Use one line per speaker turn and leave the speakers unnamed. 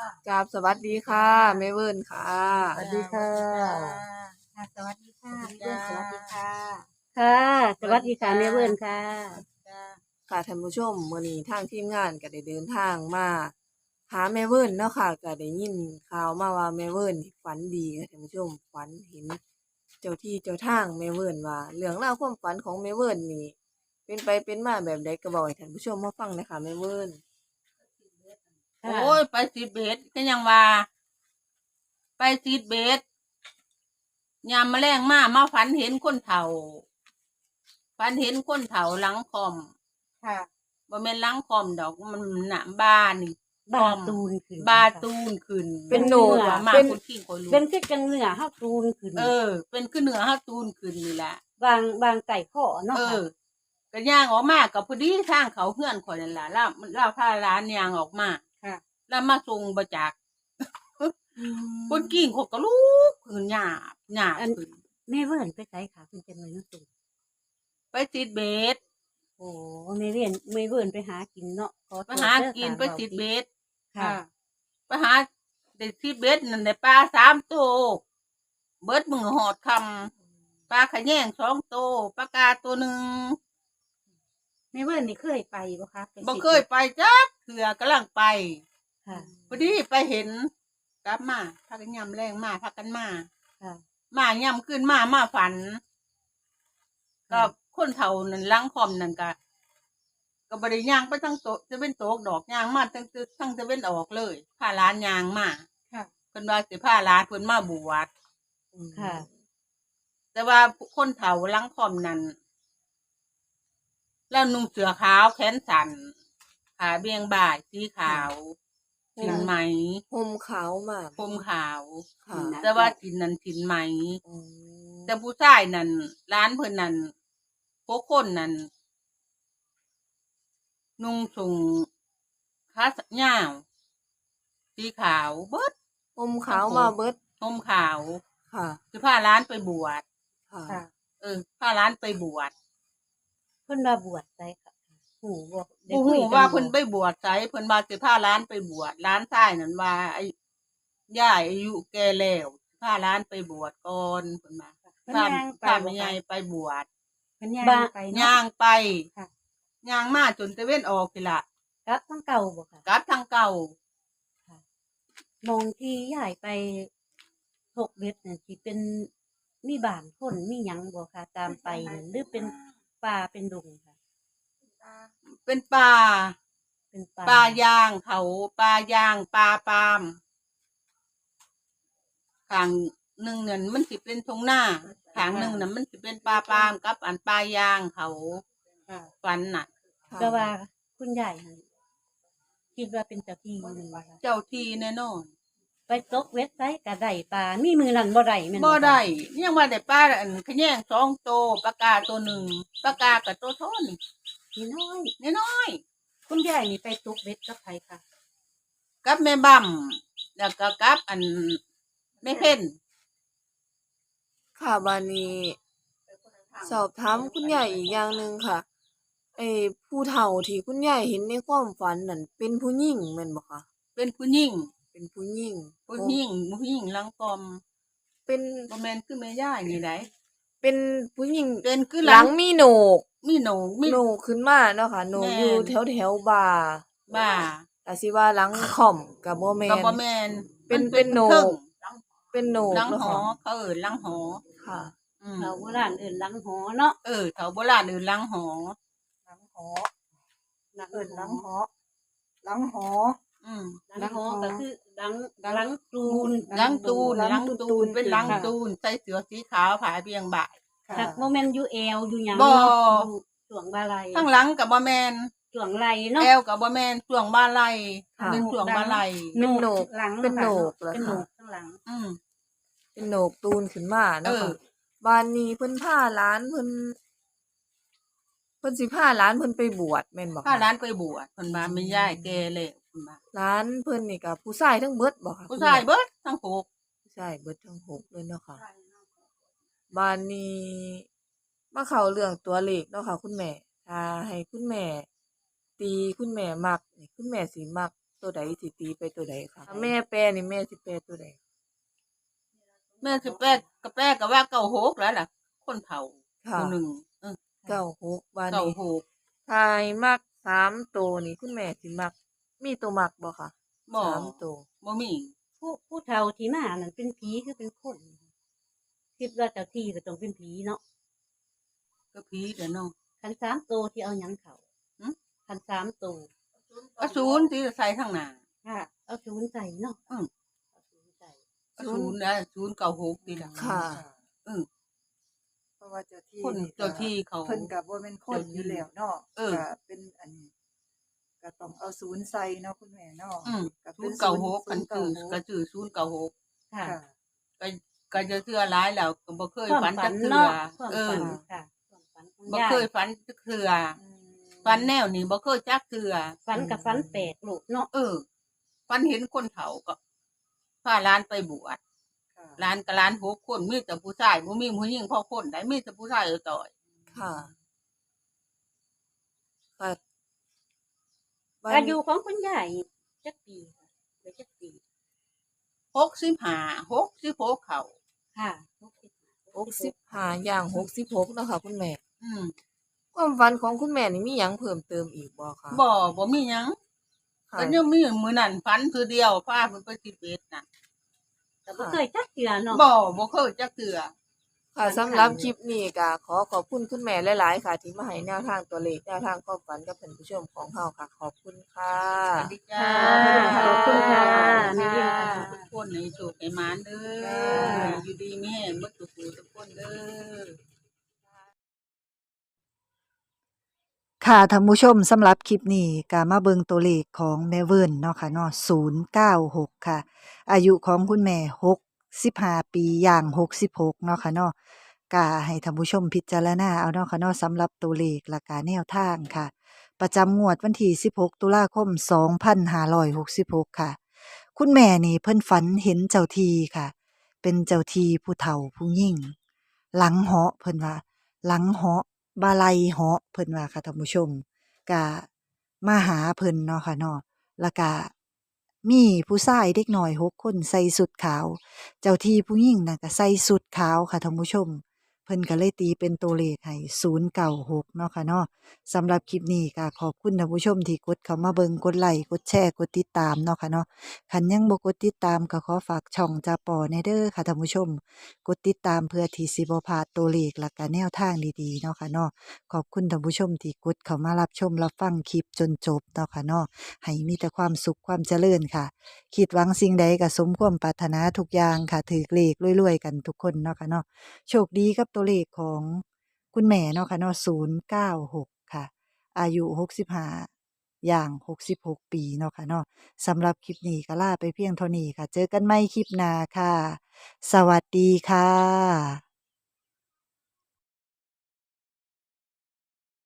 กราบสวัสดีค่ะแม่เวิร์นค่ะ
สวัสดีค่ะ
ค่ะสวัสดีค่ะพี่เบิ้ลสวัสดีค่ะ
ค่ะสวัสดีค่ะแม่เวิร์นค่ะ
จ้า
ค่ะท่านผู้ชมมื้อนี้ทางทีมงานก็ได้เดินทางมาหาแม่เวิร์นเนาะค่ะก็ได้ยินข่าวมาว่าแม่เวิร์นนี่ฝันดีค่ะท่านผู้ชมฝันเห็นเจ้าที่เจ้าทางแม่เวิร์นว่าเรื่องราวความฝันของแม่เวิร์นนี่เป็นไปเป็นมาแบบใดก็บอกให้ท่านผู้ชมมาฟังหน่อยค่ะแม่เวิร์น
ค่ะ
โอ้ยไปซีดเบสก็ยังว่าไปซีดเบสยามแมลงมาฝันเห็นคนเฒ่าฝันเห็นคนเฒ่าหลังคอม
ค่ะ
บ่แม่นหลังคอมดอกมันหน้าบ้านนี่
บาตูนขึ้น
บาตูนขึ้น
เป็นโหนก
มา
เป็น
คนขี้คนรู้
เป็นคือจังเนื้อเฮาตูนขึ้น
เป็นขึ้นเหนือเฮาตูนขึ้นนี่แหละ
บางไก่ข้อเนาะค่ะ
ก็ย่างออกมากับพอดีทางเขาเพื่อนข่อยนั่นล่ะแล้วพาร้านย่างออกมา
ค่ะ
แล้วมาส่งบ่จักคนกิ้งเขาก็ลุกขึ้นหยาบขึ้น
แม่เวิร์นไปไสค่ะคุณจังเลยเนาะตูน
ไปติดเบส
โอ้แม่เวิร์นไปหากินเนาะขอโทษ
ไปหากิน
เด้อ
ไปติดเบส
ค่ะ
ไปหาได้ติดเบสนั่นได้ปลา3 ตัวเบิดมือหอดคำปลาขะแยง2 ตัวปลากาตัวหนึ่ง
แม่เวิร์นนี่เคยไปบ่คะไป
บ่เคยไปจักเถื่อกำลังไป
ค่ะ
พอดีไปเห็นกลับมาพากันยำแรงมาพากันมา
ค่ะ
มายำขึ้นมาฝัน ก็คนเฒ่านั่นล้างคอมนั่นก็บริย่างไปทั้งโตจะเป็นโตกดอกย่างมาทั้งจะเป็นออกเลยผ้าร้านย่างมา
ค่ะ
เพิ่นว่าสิผ้าร้านเพิ่นมาบวช
ค่ะ
แต่ว่าคนเฒ่าล้างคอมนั่นแล้วนุ่งเสื้อขาวแขนสั้นขาเบี่ยงบ่ายสีขาวถินไหม
ห่มขาวมาก
ผมขาว
ค่ะ
แต่ว่าถินนั้นถินไหม
อืม
แต่ผู้ชายนั่นร้านเพิ่นนั่นพวกคนนั่นนุ่งสูงขาหญ้าวสีขาวเบิด
ห่มขาวมาเบิด
ห่มขาว
ค่ะ
คือพาร้านไปบวช
ค่ะ
ค่ะ
พาร้านไปบวช
เพิ่นว่าบวชไสค่ะหูบ่ได้
ผู้
คุ
ฮู้
ยกั
ว่า
บ่
เพิ่นไปบวชไสเพิ่นว่าสิพาร้านไปบวชร้านชายนั่นว่าไอ้ย่ายอายุแก่แล้วพาร้านไปบวชก่อนเพิ่นว่า
เพิ่น
พา
ย่างไป
พา
บ่
แม่ใหญ่
คะ
ไปบวช
เพิ่นย่าง
บ้า
ไปเนาะ
ย่างไป
ค่ะ
ย่างมาจนตะเว้นออกนี่ล่ะ
กลับทั้งเก่าบ่ค่ะ
กลับทางเก่า
มองที่ย้ายไป6เม็ดน่ะสิเป็นมีบ้านคนมีหยังบ่ค่ะตามไปนั่นหรือเป็นป่าเป็นดงค่ะ
เป็นป่า
เป็นป่า
ป่ายางเขาป่ายางป่าปาล์มข้างหนึ่งเนี่ยมันสิเป็นทงหน้าข้างหนึ่งน่ะมันสิเป็นป่าปาล์มกับอันป่ายางเขา
ค่ะ
ฟันน่ะ
ค่ะ
ก็ว่าคุณยายหั่นคิดว่าเป็นเจ้าที่อยู่บ่ค่ะ
เจ้าที่แน่นอน
ไปตกเว็ดไซก็ได้ปลามีมือนั้นบ่ได้แม่น
บ่
คะ
ได้ยังว่าได้ป้าอันขะแยง2 ตัวปลากาตัวหนึ่งปลากากับตัวโทน
นี่น้อย
น้อย
คุณยายนี่ไปตกเว็ดกับไผค่ะ
ๆกับแม่บั่มแล้วก็กับอันแม่เพ่น
ค่ะบานี้สอบถามคุณยายอีกอย่างหนึ่งค่ะไอ้ผู้เฒ่าที่คุณยายเห็นในความฝันนั่นเป็นผู้หญิงแม่นบ่คะ
เป็นผู้หญิง
เป็นผู้หญิง
ผู้หญิงหลังกอม
เป็น
บ่แม่นคือแม่ย่ายนี่ได้
เป็นผู้หญิง
เป็นคือ
หลังมีโหนก
มีโหนกมี
โหนกขึ้นมาเนาะค่ะโหนก
แม่น
อยู่แถวบ่า
บ้า
แต่สิว่าหลังค่อมก็บ่แม่
ก็
น
บ่แม่น
เป็น
มั
เป็นโหนก
ครึ่ง
เป็นโหนก
หลัง
เนาะ
หอ
ค่ะ
เขาหลังหอ
ค่ะ
เราโบราณเอิ้นหลังหอเนาะ
แถวโบราณหลังหอ
หลังหอเอิ้นหลังหอหลังหอ
อืม
หลังหอก็คือหลังตูน
หลังตูนหลังตูนเป็นหลัง
ค่ะ
ตูนใส่เสื้อสีขาวผาเบียงบ่าย
ค่ะ
หักบ่แม่นอยู่แอวอยู่หยัง
บ่
เนาะอยู่ช่วงบาไหล
ข้างหลังกับบ่แมน
ช่วงไหลเนาะ
แอวกับบ่แมนช่วงบ่าไหล
ค่ะ
เป็นช่วงบ่าไหล
เป็นโหนก
หลัง
เป็นโหนกเหรอ
เป็นโหน
คะ
กข้างหลัง
อืม
เป็นโหนกตูนขึ้นมาเนาะ
เออ
ค่ะบ้านนี้เพิ่นพาหลานเพิ่นสิพาหลานเพิ่นไปบวชแม่นบ่คะ
ถ้าร้านไปบวชเพิ่นมาไม่ย้ายแก่แล้วเพิ่นมา
หลานเพิ่นนี่ก็ผู้ชายทั้งเบิดบ่คะ
ผู้ชายเบิดทั้งหก
ผู้ชายเบิดทั้งหกเลยเนาะค่ะบ้านนี้มาเข้าเรื่องตัวเลขเนาะค่ะคุณแม่ถ้าให้คุณแม่ ตีคุณแม่มักนี่คุณแม่สิมักตัวใดสิตีไปตัวใดค่ะแม่แปลนี่แม่สิแปลตัวใด
แม่สิแป้ก็แป้ก็ว่าเก่าโหกแล้วล่ะ คนเฒ่า
ค่ะ
ผู้หนึ่ง
96วัน
เก่า
นี้
โหก
ทายมัก3ตัวนี่คุณแม่สิมัก มีตัวมักบ่ค่ะ
บ่
3ตัว
บ่มี
ผู้เฒ่าที่มานั่นเป็นผีคือเป็นคน คิดว่าเจ้าที่ก็ต้องเป็นผีเนาะ
ก็ผีเด้อเนาะ
คัน3ตัวที่เอาหยังเขา
หึ
คัน3ตัว
ก็ศูนย์ที่ใส่ข้างหน้า
ค่ะ เอา0ใส่เนาะ
อืม
เอา0ใส่
ก็ศูนย์นะศูนย์เก่าโหกนี่ล่ะ
ค่ะ
เพราะว่าเจ้าที่
คน
นี่ก็
เจ้าที่เขา
เพิ่นก็บ่แม่นคนอยู่แล้วเนาะ
เออ
ก็เป็นอันนี้ก็ต้องเอาศูนย์ใส่เนาะคุณแม่เนาะ ก็
ศู
เป็น
ย์เก่าโหก
ศู
กัน
ย์
คือ
ศูนย์
ก็ชื่อศูนย์เก่าโหก
ค่ะ
ค่ะ
ก็ก็จะเชื่อหลายแล้วก็บ่เคย
ความ
ฝัน
ฝั
จั
น
กเทื่อ
เนาะความ
เอ
ฝั
อน
ค่ะความฝันของ
บ่
ยาย
เคยฝันจักเทื่อ
อืม
ฝันแนวนี้บ่เคยจักเทื่อ
ฝันกับฝันแปลกลูกเนาะ
ฝันเห็นคนเฒ่าก็พาหลานไปบวช
ค่ะ
หลานกับหลาน6คนมีแต่ผู้ชายบ่มีผู้หญิงพอคนได้มีแต่ผู้ชายต่อย
ค่ะค่ะวัน
อายุของคุณยายจักปีค่ะเหลือจักปี
65 66เข้า
ค่ะ
65ย่าง66เนาะค่ะคุณแม่
อืม
ความฝันของคุณแม่นี่มีหยังเพิ่มเติมอีกบ่คะ
บ่มีหยัง
ค่ะ
ก็ยังมีมื้อนั้นฝันคือเดียวพาเพิ่นไปทิเบตน่ะ
แต่บ่เคยจักเทื่อเนาะ
บ่เคยจักเทื่อ
ค่ะสำหรับคลิปนี้ก็ขอขอบคุณคุณแม่หลายๆค่ะ ที่มาให้แนวทางตัวเลขแนวทางความฝันกับท่านผู้ชมของเฮาค่ะ ขอบคุณค่ะ
สวัสดีจ้า
ขอบคุณค่ะ
แม่
แม่
เรี
เรี
ย
ย
น
น
ค่ะ
ค่ะ
ทุกคนให้โชคให้หมานเด้อ
จ้า
อยู่ดีมีแรงเบิดทุกคนเด้อ
ค่ะท่านผู้ชมสำหรับคลิปนี้ก็มาเบิ่งตัวเลขของแม่เวิร์นเนาะค่ะเนาะ096 ค่ะ อายุของคุณแม่65 ปีย่าง66เนาะค่ะเนาะก็ให้ท่านผู้ชมพิจารณาเอาเนาะค่ะเนาะสำหรับตัวเลขและกาแนวทางค่ะ ประจำงวดวันที่16 ตุลาคม 2566 ค่ะ คุณแม่นี่เพิ่นฝันเห็นเจ้าที่ค่ะ เป็นเจ้าที่ผู้เฒ่าผู้ยิ่ง หลังเหาะเพิ่นว่า หลังเหาะบาลัยเหาะเพิ่นว่าค่ะท่านผู้ชมก็มาหาเพิ่นเนาะค่ะเนาะแล้วก็มีผู้ชายเด็กน้อย6คนใส่สุดขาว เจ้าที่ผู้หญิงน่ะก็ใส่สุดขาวค่ะท่านผู้ชม เพิ่นก็เลยตีเป็นตัวเลขให้096เนาะค่ะเนาะสำหรับคลิปนี้ก็ขอบคุณท่านผู้ชมที่กดเข้ามาเบิ่งกดไลค์กดแชร์กดติดตามเนาะค่ะเนาะคันยังบ่กดติดตามก็ขอฝากช่องจาปอแหน่เด้อค่ะท่านผู้ชม กดติดตามเพื่อที่สิบ่พลาดตัวเลขและก็แนวทางดีๆเนาะค่ะเนาะขอบคุณท่านผู้ชมที่กดเข้ามารับชมรับฟังคลิปจนจบเนาะค่ะเนาะให้มีแต่ความสุขความเจริญค่ะ คิดหวังสิ่งใดก็สมความปรารถนาทุกอย่างค่ะถือเลขรวยๆกันทุกคนเนาะค่ะเนาะโชคดีกับตัวเลขของคุณแม่เนาะค่ะเนาะ096 ค่ะ อายุ65อย่าง66 ปีเนาะค่ะเนาะสำหรับคลิปนี้ก็ลาไปเพียงเท่านี้ค่ะ เจอกันใหม่คลิปหน้าค่ะ สวัสดีค่ะ